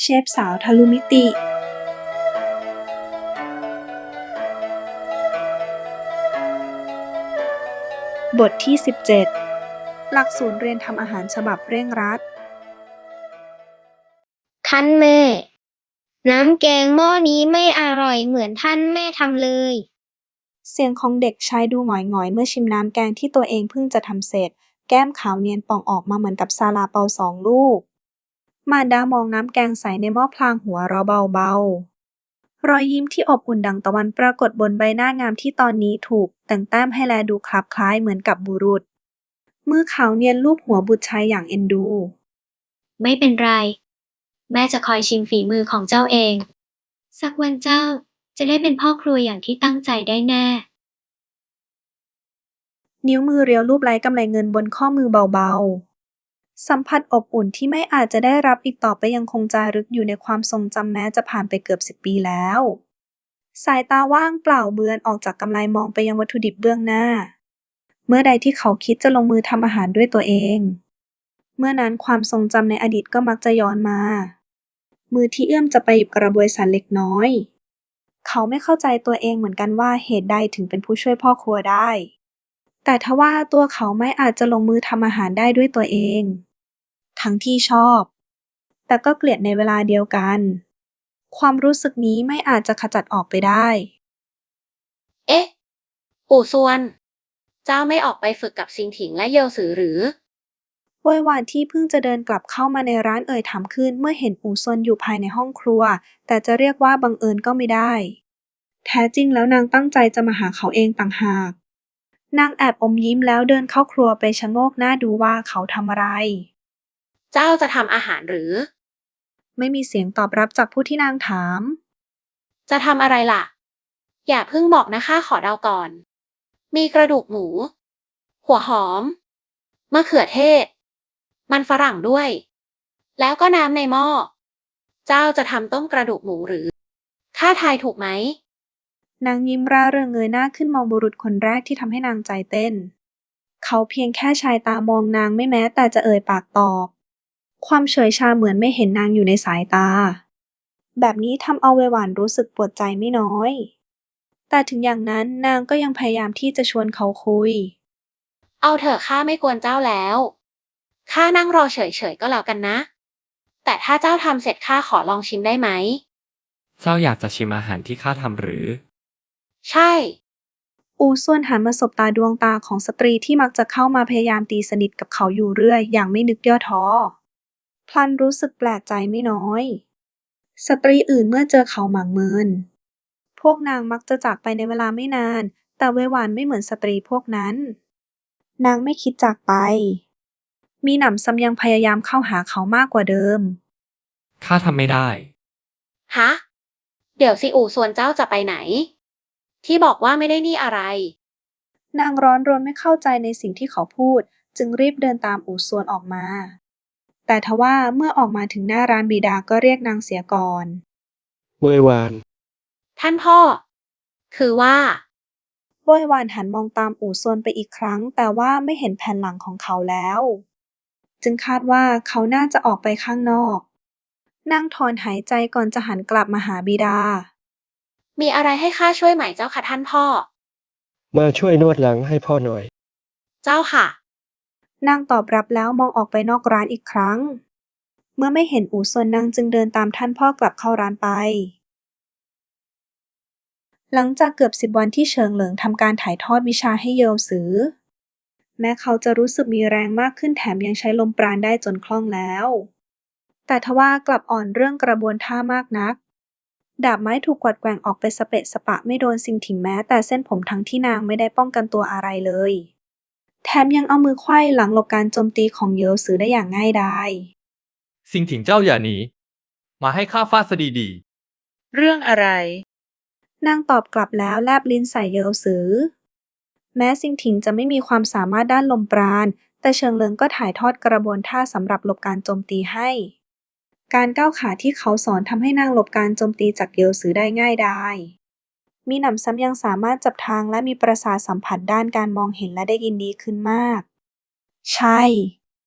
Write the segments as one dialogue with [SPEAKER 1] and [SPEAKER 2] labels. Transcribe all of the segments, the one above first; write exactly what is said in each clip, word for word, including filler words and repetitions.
[SPEAKER 1] เชฟสาวทะลุมิติบทที่สิบเจ็ดหลักสูตรเรียนทำอาหารฉบับเร่งรัด
[SPEAKER 2] ท่านแม่น้ำแกงหม้อนี้ไม่อร่อยเหมือนท่านแม่ทำเลย
[SPEAKER 1] เสียงของเด็กชายดูหงอยๆเมื่อชิมน้ำแกงที่ตัวเองเพิ่งจะทำเสร็จแก้มขาวเนียนป่องออกมาเหมือนกับซาลาเปาสองลูกมารดามองน้ำแกงใสในหม้อพลางหัวเราะเบาๆรอยยิ้มที่อบอุ่นดังตะวันปรากฏบนใบหน้างามที่ตอนนี้ถูกแต่งแต้มให้แลดูคลับคล้ายเหมือนกับบุรุษมือขาวเนียนลูบหัวบุตรชายอย่างเอ็นดู
[SPEAKER 2] ไม่เป็นไรแม่จะคอยชิมฝีมือของเจ้าเองสักวันเจ้าจะได้เป็นพ่อครัวอย่างที่ตั้งใจได้แน่
[SPEAKER 1] นิ้วมือเรียวลูบไล้กำไลเงินบนข้อมือเบาๆสัมผัสอบอุ่นที่ไม่อาจจะได้รับอีกต่อไปยังคงจารึกอยู่ในความทรงจำแม้จะผ่านไปเกือบสิบปีแล้วสายตาว่างเปล่าเบือนออกจากกำไลมองไปยังวัตถุดิบเบื้องหน้าเมื่อใดที่เขาคิดจะลงมือทำอาหารด้วยตัวเองเมื่อนั้นความทรงจำในอดีตก็มักจะย้อนมามือที่เอื้อมจะไปหยิบกระบวยสันเล็กน้อยเขาไม่เข้าใจตัวเองเหมือนกันว่าเหตุใดถึงเป็นผู้ช่วยพ่อครัวได้แต่ทว่าตัวเขาไม่อาจจะลงมือทำอาหารได้ด้วยตัวเองทั้งที่ชอบแต่ก็เกลียดในเวลาเดียวกันความรู้สึกนี้ไม่อาจจะขจัดออกไปได้
[SPEAKER 3] เอ๊ะ ปู่ซวน เจ้าไม่ออกไปฝึกกับซิงถิงและเยลสือหรือ
[SPEAKER 1] โวยวานที่เพิ่งจะเดินกลับเข้ามาในร้านเอ่ยถามขึ้นเมื่อเห็นอู่ซนอยู่ภายในห้องครัวแต่จะเรียกว่าบังเอิญก็ไม่ได้แท้จริงแล้วนางตั้งใจจะมาหาเขาเองต่างหากนางแอบอมยิ้มแล้วเดินเข้าครัวไปชะโงกหน้าดูว่าเขาทำอะไร
[SPEAKER 3] เจ้าจะทำอาหารหรือ
[SPEAKER 1] ไม่มีเสียงตอบรับจากผู้ที่นางถาม
[SPEAKER 3] จะทำอะไรล่ะ อย่าเพิ่งบอกนะข้าขอเดาก่อน มีกระดูกหมู หัวหอม มะเขือเทศ มันฝรั่งด้วย แล้วก็น้ำในหม้อ เจ้าจะทำต้มกระดูกหมูหรือ ข้าทายถูกไหม
[SPEAKER 1] นางยิ้มร่าเริงเงยหน้าขึ้นมองบุรุษคนแรกที่ทำให้นางใจเต้นเขาเพียงแค่ชายตามองนางไม่แม้แต่จะเอ่ยปากตอบความเฉยชาเหมือนไม่เห็นนางอยู่ในสายตาแบบนี้ทำเอาเวหวานรู้สึกปวดใจไม่น้อยแต่ถึงอย่างนั้นนางก็ยังพยายามที่จะชวนเขาคุย
[SPEAKER 3] เอาเถอะข้าไม่กวนเจ้าแล้ว ข้านั่งรอเฉยๆก็แล้วกันนะ แต่ถ้าเจ้าทำเสร็จข้าขอลองชิมได้ไหม
[SPEAKER 4] เจ้าอยากจะชิมอาหารที่ข้าทำหรือ
[SPEAKER 3] ใช่
[SPEAKER 1] อูส่วนหันมาสบตาดวงตาของสตรีที่มักจะเข้ามาพยายามตีสนิทกับเขาอยู่เรื่อยอย่างไม่นึกย่อท้อพลันรู้สึกแปลกใจไม่น้อยสตรีอื่นเมื่อเจอเขาหมางเมินพวกนางมักจะจากไปในเวลาไม่นานแต่เวหวานไม่เหมือนสตรีพวกนั้นนางไม่คิดจากไปมีหนำซ้ำยังพยายามเข้าหาเขามากกว่าเดิม
[SPEAKER 4] ข้าทำไม่ได้
[SPEAKER 3] ฮะ เดี๋ยวสิอู่ส่วนเจ้าจะไปไหน ที่บอกว่าไม่ได้นี่อะไร
[SPEAKER 1] นางร้อนรนไม่เข้าใจในสิ่งที่เขาพูดจึงรีบเดินตามอู่ซวนออกมาแต่ทว่าเมื่อออกมาถึงหน้าร้านบิดาก็เรียกนางเสียก่อน
[SPEAKER 5] เมื่อวาน
[SPEAKER 3] ท่านพ่อ คือว่า
[SPEAKER 1] โวยวานหันมองตามอู่ซวนไปอีกครั้งแต่ว่าไม่เห็นแผ่นหลังของเขาแล้วจึงคาดว่าเขาน่าจะออกไปข้างนอกนางถอนหายใจก่อนจะหันกลับมาหาบิดา
[SPEAKER 3] มีอะไรให้ข้าช่วยไหมเจ้าค่ะท่านพ่อ
[SPEAKER 5] มาช่วยนวดหลังให้พ่อหน่อย
[SPEAKER 3] เจ้าค่ะ
[SPEAKER 1] นางตอบรับแล้วมองออกไปนอกร้านอีกครั้งเมื่อไม่เห็นอู่ซวนนางจึงเดินตามท่านพ่อกลับเข้าร้านไปหลังจากเกือบสิบวันที่เฉิงเหลิงทำการถ่ายทอดวิชาให้เยลซือแม้เขาจะรู้สึกมีแรงมากขึ้นแถมยังใช้ลมปราณได้จนคล่องแล้วแต่ทว่ากลับอ่อนเรื่องกระบวนท่ามากนักดาบไม้ถูกกวัดแกว่งออกไปสเปะสปะไม่โดนซิงถิงแม้แต่เส้นผมทั้งที่นางไม่ได้ป้องกันตัวอะไรเลยแถมยังเอามือไขว้หลังหลบการโจมตีของเยลซือได้อย่างง่ายดาย
[SPEAKER 4] สิ่งถิงเจ้าอย่าหนี มาให้ข้าฟาดซะดี
[SPEAKER 6] เรื่องอะไร
[SPEAKER 1] นางตอบกลับแล้วแลบลิ้นใส่เยลซือแม้ซิงถิงจะไม่มีความสามารถด้านลมปราณแต่เฉิงเหลิงก็ถ่ายทอดกระบวนท่าสำหรับหลบการโจมตีให้การก้าวขาที่เขาสอนทำให้นางหลบการโจมตีจากเยลซือได้ง่ายดายมีหนำซ้ำยังสามารถจับทางและมีประสาทสัมผัสด้านการมองเห็นและได้ยินดีขึ้นมากใช่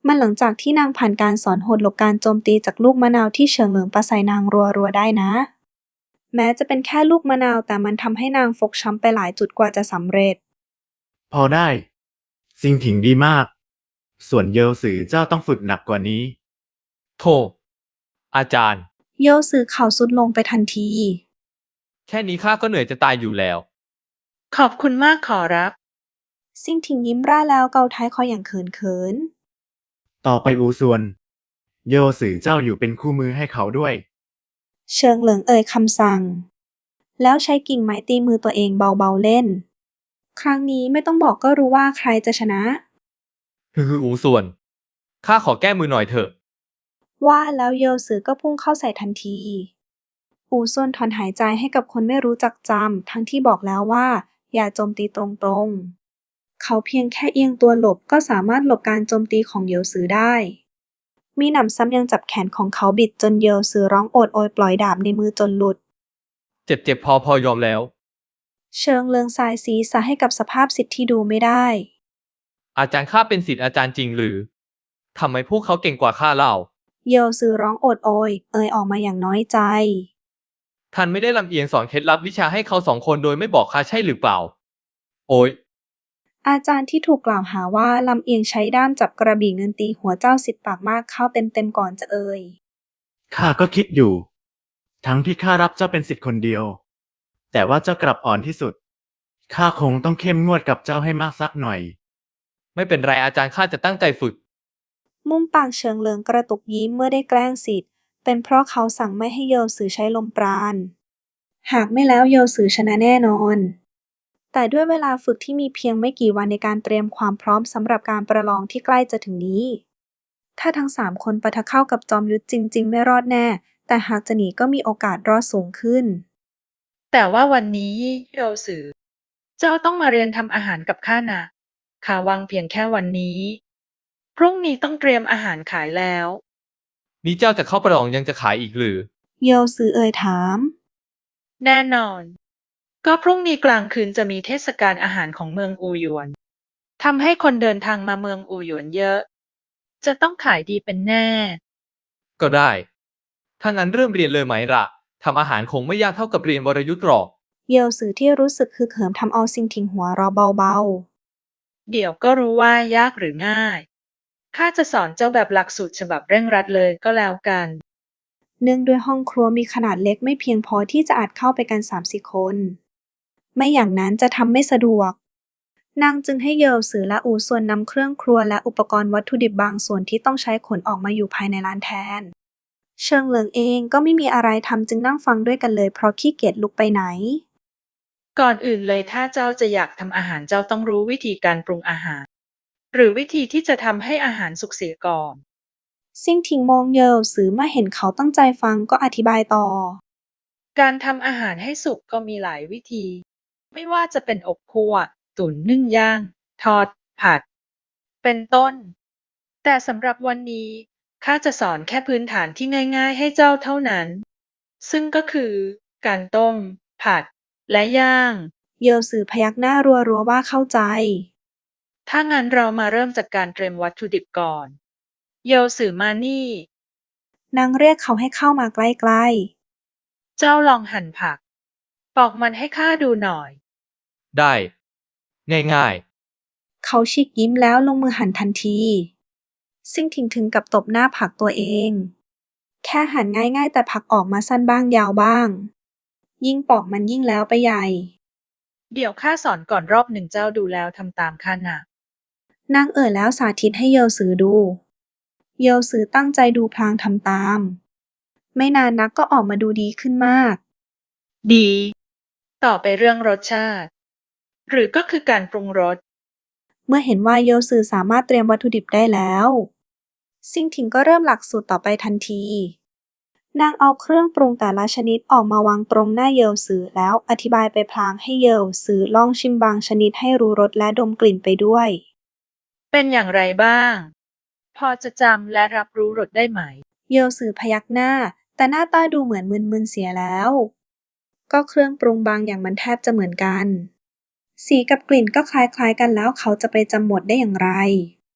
[SPEAKER 1] มันหลังจากที่นางผ่านการสอนโหดหลบการโจมตีจากลูกมะนาวที่เฉิงเหลิงปาใส่นางรัวๆได้นะ แม้จะเป็นแค่ลูกมะนาวแต่มันทำให้นางฟกช้ำไปหลายจุดกว่าจะสำเร็จ
[SPEAKER 6] พอได้ซิงถิงดีมาก ส่วนเยลสือเจ้าต้องฝึกหนักกว่านี้
[SPEAKER 4] โธ่อาจารย์
[SPEAKER 1] โยซือเข่าสุดลงไปทันที
[SPEAKER 4] แค่นี้ข้าก็เหนื่อยจะตายอยู่แล้ว
[SPEAKER 7] ขอบคุณมากขอรับ
[SPEAKER 1] ซิ่งถิงยิ้มร่าแล้วเกาท้ายคออย่างเขินเขิน
[SPEAKER 6] ต่อไปอูซวน เยลสือเจ้าอยู่เป็นคู่มือให้เขาด้วย
[SPEAKER 1] เชิงเหลิงเอ่ยคำสั่ง แล้วใช้กิ่งไม้ตีมือตัวเองเบาๆเล่น ครั้งนี้ไม่ต้องบอกก็รู้ว่าใครจะชนะ
[SPEAKER 4] ฮืออูส่วน ข้าขอแก้มือหน่อยเถอะ
[SPEAKER 1] ว่าแล้วโยซือก็พุ่งเข้าใส่ทันที อูซวนถอนหายใจให้กับคนไม่รู้จักจำทั้งที่บอกแล้วว่าอย่าโจมตีตรงๆ เขาเพียงแค่เอียงตัวหลบก็สามารถหลบการโจมตีของโยซือได้ มีหนำซ้ำยังจับแขนของเขาบิดจนโยซือร้องโอดโอยปล่อยดาบในมือจนหลุด
[SPEAKER 4] เจ็บเจ็บพอพอยอมแล้ว
[SPEAKER 1] เชิงเลืองสายศีรษะให้กับสภาพสิทธิ์ที่ดูไม่ได้
[SPEAKER 4] อาจารย์ข้าเป็นศิษย์อาจารย์จริงหรือทำไมพวกเขาเก่งกว่าข้าเล่า
[SPEAKER 1] โยซือร้องโอดโอย เอ่ยออกมาอย่างน้อยใจ
[SPEAKER 4] ท่านไม่ได้ลำเอียงสอนเคล็ดลับวิชาให้เขาสองคนโดยไม่บอกข้าใช่หรือเปล่า โอ้ย
[SPEAKER 1] อาจารย์ที่ถูกกล่าวหาว่าลำเอียงใช้ด้ามจับกระบี่เงินตีหัวเจ้าสิทธิ์ปากมากเข้าเต็มๆก่อนจะเอ่ย
[SPEAKER 6] ข้าก็คิดอยู่ ทั้งที่ข้ารับเจ้าเป็นศิษย์คนเดียว แต่ว่าเจ้ากลับอ่อนที่สุด ข้าคงต้องเข้มงวดกับเจ้าให้มากสักหน่อย
[SPEAKER 4] ไม่เป็นไรอาจารย์ข้าจะตั้งใจฝึก
[SPEAKER 1] มุมปากเฉิงเหลิงกระตุกยิ้มเมื่อได้แกล้งสิทธิ์เป็นเพราะเขาสั่งไม่ให้โยซือใช้ลมปราณ หากไม่แล้วโยซือชนะแน่นอน แต่ด้วยเวลาฝึกที่มีเพียงไม่กี่วันในการเตรียมความพร้อมสำหรับการประลองที่ใกล้จะถึงนี้ ถ้าทั้งสามคนปะทะเข้ากับจอมยุทธจริงๆไม่รอดแน่ แต่หากจะหนีก็มีโอกาสรอดสูงขึ้น
[SPEAKER 7] แต่ว่าวันนี้โยสือ เจ้าต้องมาเรียนทำอาหารกับข้านะข้าวางเพียงแค่วันนี้ พรุ่งนี้ต้องเตรียมอาหารขายแล้ว
[SPEAKER 4] นี่เจ้าจะเข้าประลองยังจะขายอีกหรือ
[SPEAKER 1] โยซือเอ่ยถาม
[SPEAKER 7] แน่นอน ก็พรุ่งนี้กลางคืนจะมีเทศกาลอาหารของเมืองอูหยวนทำให้คนเดินทางมาเมืองอูหยวนเยอะ จะต้องขายดีเป็นแน่
[SPEAKER 4] ก็ได้ ถ้างั้นเริ่มเรียนเลยไหมล่ะทำอาหารคงไม่ยากเท่ากับเรียนวรยุทธ์หรอก
[SPEAKER 1] เยลซือที่รู้สึกฮึกเหิมทำเอาซิงถิงหัวเราะเบา
[SPEAKER 7] เดี๋ยวก็รู้ว่ายากหรือง่าย ข้าจะสอนเจ้าแบบหลักสูตรฉบับเร่งรัดเลยก็แล้วกัน
[SPEAKER 1] ๆ เนื่องด้วยห้องครัวมีขนาดเล็กไม่เพียงพอที่จะอาจเข้าไปกัน สามสี่ คน ไม่อย่างนั้นจะทำไม่สะดวก นางจึงให้เยลซือและอูส่วนนำเครื่องครัวและอุปกรณ์วัตถุดิบบางส่วนที่ต้องใช้ขนออกมาอยู่ภายในร้านแทน เชิงเหลิงเองก็ไม่มีอะไรทำจึงนั่งฟังด้วยกันเลยเพราะขี้เกียจลุกไปไหน
[SPEAKER 7] ก่อนอื่นเลยถ้าเจ้าจะอยากทำอาหารเจ้าต้องรู้วิธีการปรุงอาหาร หรือวิธีที่จะทำให้อาหารสุกเสียก่อน
[SPEAKER 1] ซิ่งถิงมองเยลซือเมื่อเห็นเขาตั้งใจฟังก็อธิบายต่อ
[SPEAKER 7] การทำอาหารให้สุกก็มีหลายวิธี ไม่ว่าจะเป็นอบคั่ว ตุ๋นนึ่งย่าง ทอด ผัด เป็นต้น แต่สำหรับวันนี้ข้าจะสอนแค่พื้นฐานที่ง่ายๆให้เจ้าเท่านั้น ซึ่งก็คือ การต้ม ผัด และย่าง
[SPEAKER 1] เยลซือพยักหน้ารัวๆว่าเข้าใจ
[SPEAKER 7] ถ้างั้นเรามาเริ่มจากการเตรียมวัตถุดิบก่อน เยลสือมานี่
[SPEAKER 1] นางเรียกเขาให้เข้ามาใกล้ๆ
[SPEAKER 7] เจ้าลองหั่นผัก ปอกมันให้ข้าดูหน่อย
[SPEAKER 4] ได้ ง่าย
[SPEAKER 1] เขาฉีกยิ้มแล้วลงมือหั่นทันที ซิ่งถิงถึงกับตบหน้าผักตัวเอง แค่หั่นง่ายๆแต่ผักออกมาสั้นบ้างยาวบ้าง ยิ่งปอกมันยิ่งแล้วไปใหญ่
[SPEAKER 7] เดี๋ยวข้าสอนก่อนรอบหนึ่งเจ้าดูแล้วทำตามข้านะ
[SPEAKER 1] นางเอ่ยแล้วสาธิตให้เยลซือดู เยลซือตั้งใจดูพลางทำตาม ไม่นานนักก็ออกมาดูดีขึ้นมาก
[SPEAKER 7] ดี ต่อไปเรื่องรสชาติ หรือก็คือการปรุงรส
[SPEAKER 1] เมื่อเห็นว่าเยลซือสามารถเตรียมวัตถุดิบได้แล้ว ซิ่งถิงก็เริ่มหลักสูตรต่อไปทันที นางเอาเครื่องปรุงแต่ละชนิดออกมาวางตรงหน้าเยลซือแล้วอธิบายไปพลางให้เยลซือลองชิมบางชนิดให้รู้รสและดมกลิ่นไปด้วย
[SPEAKER 7] เป็นอย่างไรบ้าง พอจะจำและรับรู้รสได้ไหม
[SPEAKER 1] เยลซือพยักหน้า แต่หน้าตาดูเหมือนมึนๆเสียแล้ว ก็เครื่องปรุงบางอย่างมันแทบจะเหมือนกัน สีกับกลิ่นก็คล้ายๆกันแล้วเขาจะไปจำหมดได้อย่างไร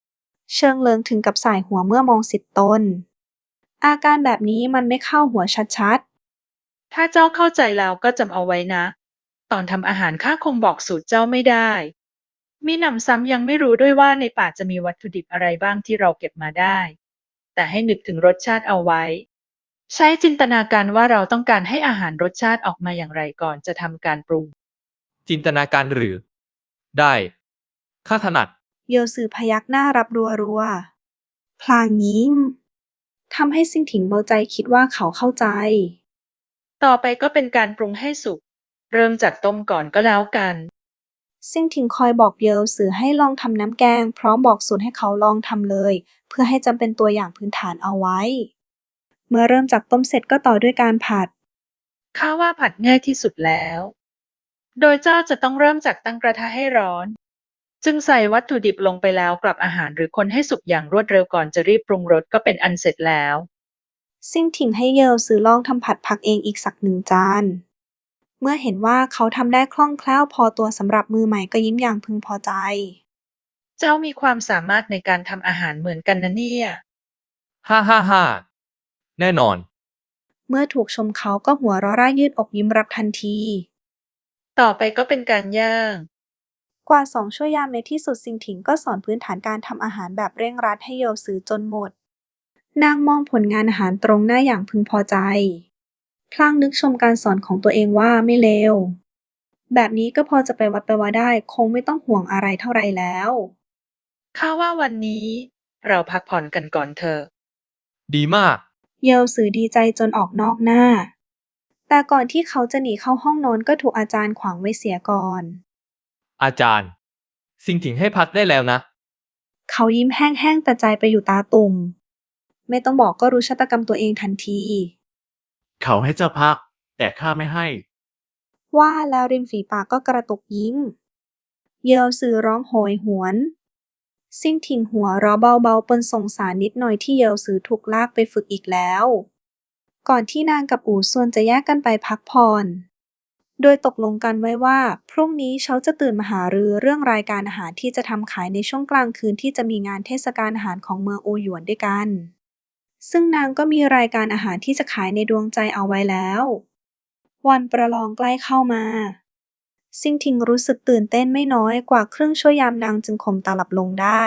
[SPEAKER 1] เชิงเลิงถึงกับส่ายหัวเมื่อมองสิทธิ์ตน อาการแบบนี้มันไม่เข้าหัวชัด
[SPEAKER 7] ถ้าเจ้าเข้าใจแล้วก็จำเอาไว้นะ ตอนทำอาหารข้าคงบอกสูตรเจ้าไม่ได้ มีหนำซ้ำยังไม่รู้ด้วยว่าในป่าจะมีวัตถุดิบอะไรบ้างที่เราเก็บมาได้ แต่ให้นึกถึงรสชาติเอาไว้ ใช้จินตนาการว่าเราต้องการให้อาหารรสชาติออกมาอย่างไรก่อนจะทำการปรุง
[SPEAKER 4] จินตนาการหรือ ได้ข้าถนัด
[SPEAKER 1] ๆ เยลซือพยักหน้ารับรัวๆ พลางยิ้มทำให้ซิ่งถิงเบาใจคิดว่าเขาเข้าใจ
[SPEAKER 7] ต่อไปก็เป็นการปรุงให้สุก เริ่มจากต้มก่อนก็แล้วกัน
[SPEAKER 1] ซิ่งถิงคอยบอกเยลซือให้ลองทำน้ำแกงพร้อมบอกสูตรให้เขาลองทำเลย เพื่อให้จำเป็นตัวอย่างพื้นฐานเอาไว้ เมื่อเริ่มจากต้มเสร็จก็ต่อด้วยการผัด
[SPEAKER 7] ข้าว่าผัดง่ายที่สุดแล้ว โดยเจ้าจะต้องเริ่มจากตั้งกระทะให้ร้อน จึงใส่วัตถุดิบลงไปแล้วกลับอาหารหรือคนให้สุกอย่างรวดเร็วก่อนจะรีบปรุงรสก็เป็นอันเสร็จแล้ว
[SPEAKER 1] ซิ่งถิงให้เยลซือลองทำผัดผักเองอีกสักหนึ่งจาน เมื่อเห็นว่าเขาทำได้คล่องแคล่วพอตัวสำหรับมือใหม่ก็ยิ้มอย่างพึงพอใจ
[SPEAKER 7] เจ้ามีความสามารถในการทำอาหารเหมือนกันนะเนี่ย
[SPEAKER 4] ฮ่าฮ่าฮ่าแน่นอน
[SPEAKER 1] เมื่อถูกชมเขาก็หัวเราะร่ายืดอกยิ้มรับทันที
[SPEAKER 7] ต่อไปก็เป็นการย่าง
[SPEAKER 1] กว่าสองชั่วยามในที่สุดซิงถิงก็สอนพื้นฐานการทำอาหารแบบเร่งรัดให้เยลซือจนหมด นางมองผลงานอาหารตรงหน้าอย่างพึงพอใจ พลางนึกชมการสอนของตัวเองว่าไม่เลว แบบนี้ก็พอจะไปวัดไปว่าได้คงไม่ต้องห่วงอะไรเท่าไรแล้ว
[SPEAKER 7] ข้าว่าวันนี้เราพักผ่อนกันก่อนเถอะ
[SPEAKER 4] ดีมาก
[SPEAKER 1] เยลซือดีใจจนออกนอกหน้า แต่ก่อนที่เขาจะหนีเข้าห้องนอนก็ถูกอาจารย์ขวางไว้เสียก่อน
[SPEAKER 4] อาจารย์ สิ่งถิงให้พักได้แล้วนะ
[SPEAKER 1] เขายิ้มแห้งๆแต่ใจไปอยู่ตาตุ่ม ไม่ต้องบอกก็รู้ชะตากรรมตัวเองทันที
[SPEAKER 6] เขาให้เจ้าพัก แต่ข้าไม่ให้
[SPEAKER 1] ว่าแล้วริมฝีปากก็กระตุกยิ้ม เยลซือร้องโหยหวน ซิ่งถิงหัวเราะเบาๆปนสงสารนิดหน่อยที่เยลซือถูกลากไปฝึกอีกแล้ว ก่อนที่นางกับอู่ซวนจะแยกกันไปพักผ่อน โดยตกลงกันไว้ว่าพรุ่งนี้เขาจะตื่นมาหารือเรื่องรายการอาหารที่จะทำขายในช่วงกลางคืนที่จะมีงานเทศกาลอาหารของเมืองอูหยวนด้วยกัน ซึ่งนางก็มีรายการอาหารที่จะขายในดวงใจเอาไว้แล้ว วันประลองใกล้เข้ามา ซิ่งทิงรู้สึกตื่นเต้นไม่น้อยกว่าครึ่งชั่วยามนางจึงข่มตาหลับลงได้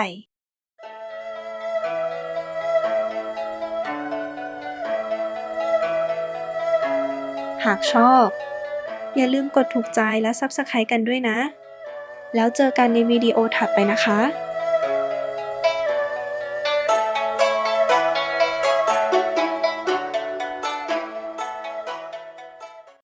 [SPEAKER 1] หากชอบ อย่าลืมกดถูกใจและ ซับสไครบ์ กันด้วยนะ แล้วเจอกันในวิดีโอถัดไปนะคะ